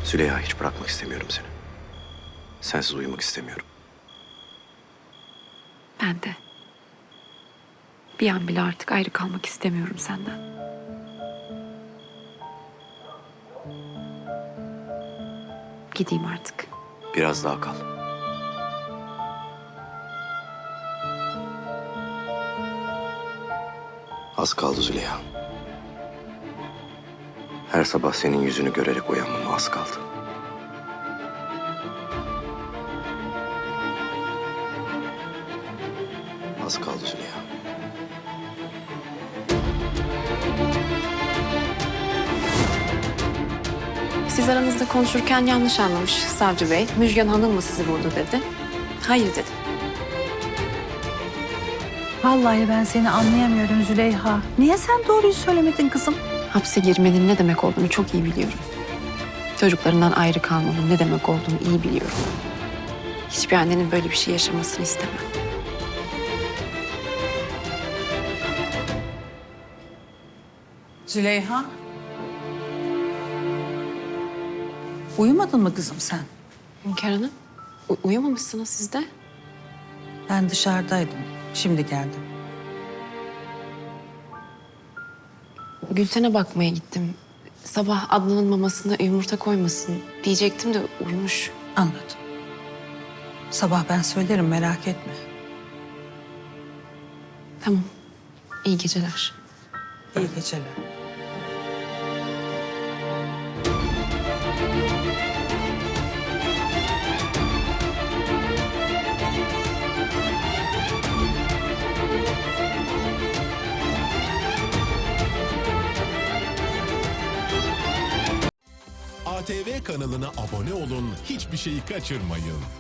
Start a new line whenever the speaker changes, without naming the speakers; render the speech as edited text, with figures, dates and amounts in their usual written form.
Züleyha, hiç bırakmak istemiyorum seni. Sensiz uyumak istemiyorum.
Ben de. Bir an bile artık ayrı kalmak istemiyorum senden. Gideyim artık.
Biraz daha kal. Az kaldı Züleyha. Her sabah senin yüzünü görerek uyanmama az kaldı. Az kaldı Züleyha.
Siz aranızda konuşurken yanlış anlamış savcı bey. Müjgan Hanım mı sizi vurdu dedi. Hayır dedim.
Vallahi ben seni anlayamıyorum Züleyha. Niye sen doğruyu söylemedin kızım?
Hapse girmenin ne demek olduğunu çok iyi biliyorum. Çocuklarından ayrı kalmanın ne demek olduğunu iyi biliyorum. Hiçbir annenin böyle bir şey yaşamasını istemem.
Züleyha. Uyumadın mı kızım sen?
Hünkâr Hanım, uyumamışsınız siz de.
Ben dışarıdaydım. Şimdi geldim.
Gülten'e bakmaya gittim. Sabah Adnan'ın mamasına yumurta koymasın diyecektim de uyumuş.
Anladım. Sabah ben söylerim merak etme.
Tamam, iyi geceler.
İyi geceler.
ATV kanalına abone olun, hiçbir şeyi kaçırmayın.